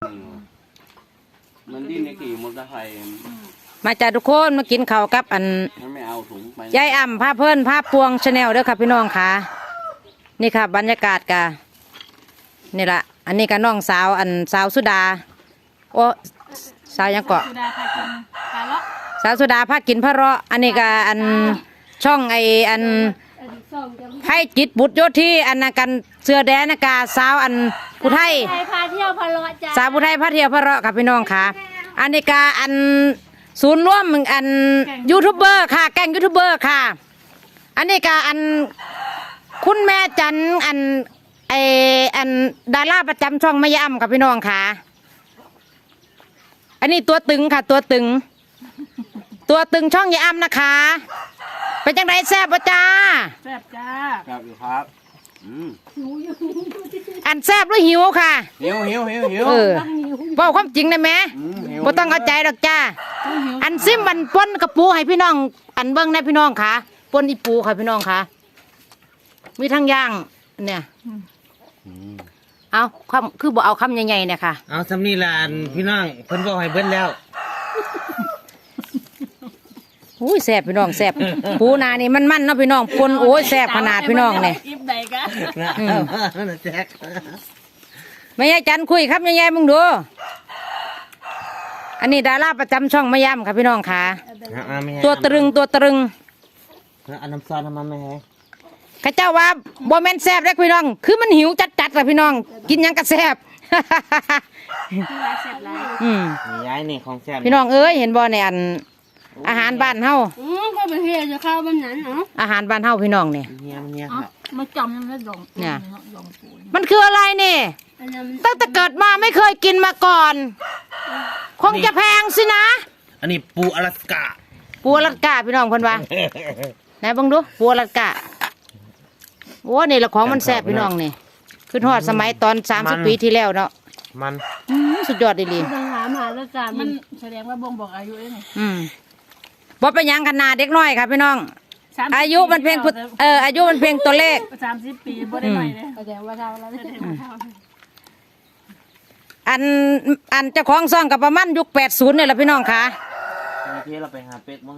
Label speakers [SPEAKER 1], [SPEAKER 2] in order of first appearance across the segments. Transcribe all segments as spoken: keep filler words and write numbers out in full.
[SPEAKER 1] มันดิ้นในกี่มอเตอร์ไซค์
[SPEAKER 2] มาจากทุกคนมากินข้าวกับอัน
[SPEAKER 1] ไม่เอาถุงไป
[SPEAKER 2] ยายอ่ำผ้าเพิ่นผ้าพวงชาแนลเด้อค่ะพี่น้องค่ะนี่ค่ะบรรยากาศกะนี่ละอันนี้ก็น้องสาวอันสาวสุดาโอ้สาวยังเกาะสาวสุดาพากินพระเราะอันนี้ก็อันช่องไออันให้จิตบุตรโยธีอันนักันเสือแดนกาสาวอันผู้ไทย
[SPEAKER 3] พาเที่ยวพะเลาะจ้า
[SPEAKER 2] สาวผู้ไทยพาเที่ยวพระเราะค่ะพี่น้องค่ะอันนี้ก็อันศูนย์ร่วมอันยูทูบเบอร์ค่ะแก๊งยูทูบเบอร์ค่ะอันนี้ก็อันคุณแม่จันอันไออันดาราประจำช่องมะยำค่ะพี่น้องค่ะอันนี้ตัวตึงค่ะตัวตึงตัวตึงช่องยำนะคะเป็นจังไรแซ่บปะจ้า
[SPEAKER 3] แซ่บจ้า
[SPEAKER 1] แซ่บอยู่ครับ
[SPEAKER 2] อันแซ่บหรือหิวค่ะ
[SPEAKER 1] หิวหิวหิวหิว
[SPEAKER 2] เออบอกความจริงได้ไหมบ่ต้องเข้าใจดอกจ้าอันซิมมันปนกระปูให้พี่น้องอันเบิ้งได้พี่น้องค่ะปนอีปูค่ะพี่น้องค่ะมีทั้งย่างเนี่ยเอาคำคือบ่เอาคำใหญ่ๆเนี่ยค่ะ
[SPEAKER 4] เอาสำนีลานพี่น้องเพิ่นบอกให้เบิ้ลแล้ว
[SPEAKER 2] อุ้ยแซ่บพี่น้องแซ่บปูนานี่มันมันเนาะพี่น้องปนโอ้ยแซ่บขนาดพี่น้องเนี่ย
[SPEAKER 3] อิบใดกะ
[SPEAKER 4] แจ๊ก
[SPEAKER 2] ไม่ใช่จันคุยครับใหญ่ๆมึงดูอันนี้ดาราประจำช่องมะยำค่ะพี่น้องค่ะตัวตรึงตัวตรึง
[SPEAKER 4] อันน้ำซอสทำมาไหมฮะ
[SPEAKER 2] ข้าเจ้าว่าโบแมนแซ่บได้พี่น้องคือมันหิวจัดๆเลยพี่น้องกินยังกระแซ่บ
[SPEAKER 4] อืมย้ายนี่ของแซ่บ
[SPEAKER 2] พี่น้องเอ้ยเห็นบ่ในอันอาหารบ้านเฮา
[SPEAKER 3] อืมก็ไปเฮ็ดจะเข้าบ้านนั้นเนาะ
[SPEAKER 2] อาหารบ้านเฮาพี่น้องเนี่ย
[SPEAKER 4] เนี่ยเนี่ย
[SPEAKER 3] มาจำยังไม่ลง
[SPEAKER 2] เนี่ยมันคืออะไรเนี่ยตั้งแต่เกิดมาไม่เคยกินมาก่อนคงจะแพงสินะ
[SPEAKER 4] อันนี้ปูอลาสก้า
[SPEAKER 2] ปูอลาสก้าพี่น้องคนว่าไหนบังดูปูอลาสก้าโอ้นี่ละของมันแซ่บพี่น้องนี่ขึ้นทอดสมัยตอนสามสิบปีที่แล้วเนาะ
[SPEAKER 4] มัน
[SPEAKER 2] สุดยอดดี
[SPEAKER 3] ดีปัญหามหาเรื่องการมันแสดงว่าบ่งบอกอายุเอง
[SPEAKER 2] อืมบ่เป็นยังขนาดเด็กน้อยครับพี่น้องอายุมันเพียงเอออายุมันเพียงตัวเลข
[SPEAKER 3] สามสิบปีบ่ได้หน่อยเลยแสดงว่าเท่าแล้ว
[SPEAKER 2] อันอันเจ้าของซ่องกับประมาณยุคแปดศูนย์เนี่ยแหละพี่น้องค่ะ
[SPEAKER 4] ที่เราไปหาเป็ดมั้ง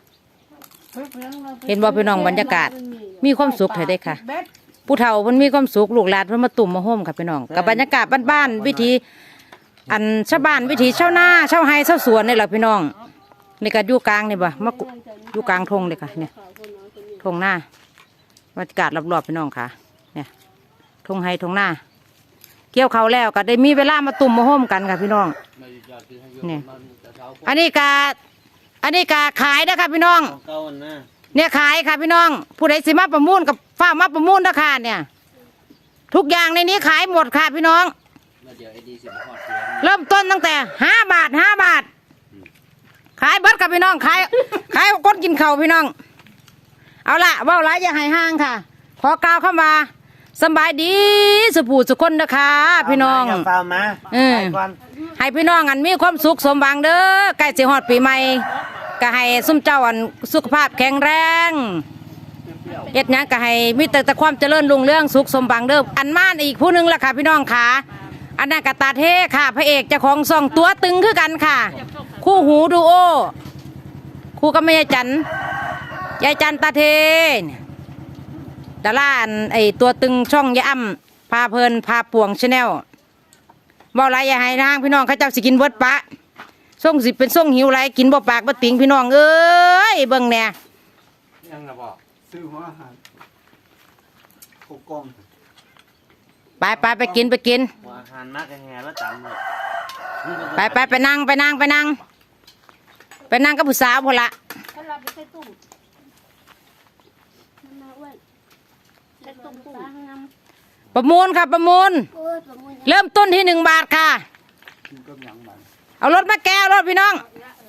[SPEAKER 2] เห็นบ่พี่น้องบรรยากาศมีความสุขเลยได้ค่ะผู้เฒ่ามันมีความสุขลูกหลานมันมาตุ่มมาโฮมค่ะพี่น้องกับบรรยากาศบ้านๆวิธีอันชาวบ้านวิถีชาวนาชาวไฮชาวสวนนี่แหละพี่น้องนี่ก็อยู่กลางนี่บ่มาอยู่กลางทงเลยค่ะเนี่ยทงหน้าบรรยากาศรอบๆพี่น้องค่ะเนี่ยทงไฮทงหน้าเกี่ยวเขาแล้วก็ได้มีเวลามาตุ่มมาโฮมกันค่ะพี่น้องเนี่ยอันนี้กาอันนี้กาขายนะคะพี่น้องเนี่ยขายค่ะพี่น้องผู้ใดสิมาประมูลกับฝ้ามาประมูลราคาเนี่ยทุกอย่างในนี้ขายหมดค่ะพี่น้องเริ่มต้นตั้งแต่ห้าบาทห้าบาทขายเบิดกับพี่น้องขายขายก้นกินเข่าพี่น้องเอาละว่าไรอย่าให้ห้างค่ะขอกล่าวเข้ามาสบายดีสุภูสุคนนะคะพี่น้องเออให้พี่น้องอันมีความสุขสมหวังเด้อใกล้สิฮอดปีใหม่ก็ให้ซุ่มเจ้าอันสุขภาพแข็งแรงเอ็ดยังก็ให้มีแต่แต่ความเจริญรุ่งเรื่องสุขสมหวังเด้ออันม่านอีกผู้นึงละค่ะพี่น้องค่ะอันนั้นกตาเทค่ะพระเอกเจ้าของซองตัวตึงคือกันค่ะคู่หูดูโอคู่กับแม่ยายจันยายจันตาเทดาราไอตัวตึงช่องยะอ่ำพาเพลินพาป่วงชาแนลบอกไรอย่าให้นางพี่น้องเขาเจ้าสิกินเบิดปะส่งสิเป็นส่งหิวไรกินบ่ปากบ่ติงพี่น้องเอ้ยเบิ่งแน่
[SPEAKER 1] ยังนะบอกซื้อหัวอาหารโคกล้อง
[SPEAKER 2] ไปไปไปกินไปกิน
[SPEAKER 4] อาหารมากแห่แล้วจำเลย
[SPEAKER 2] ไปไปไปนั่งไปนั่งไปนั่งไปนั่งกับผู้สาวพอละประมูลค่ะประมูลเริ่มต้นที่หนึ่งบาทค่ะเอารถมาแก้วรถพี่น้อง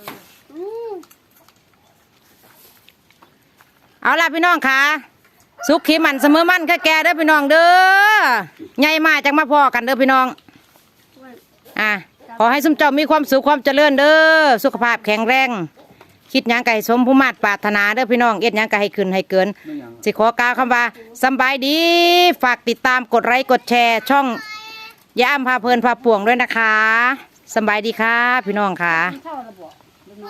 [SPEAKER 2] เอาล่ะพี่น้องค่ะสุขขีมันเสมอมันแค่แก่เด้อพี่น้องเด้อใหญ่มาจังมาพอกันเด้อพี่น้องอ่ะขอให้สมเจ้ามีความสุขความเจริญเด้อสุขภาพแข็งแรงคิดยังไก่สมผู้มาตรปรารถนาเด้อพี่น้องเอ็ดยังไก่ให้ขึ้นให้เกินสิขอกล่าวคำว่าสบายดีฝากติดตามกดไลค์กดแชร์ช่องย่าอ้ำพาเพลินพาป่วงด้วยนะคะสำบายดีค่ะพี่น้องค่ะ
[SPEAKER 3] กินข้าวแล้วบ่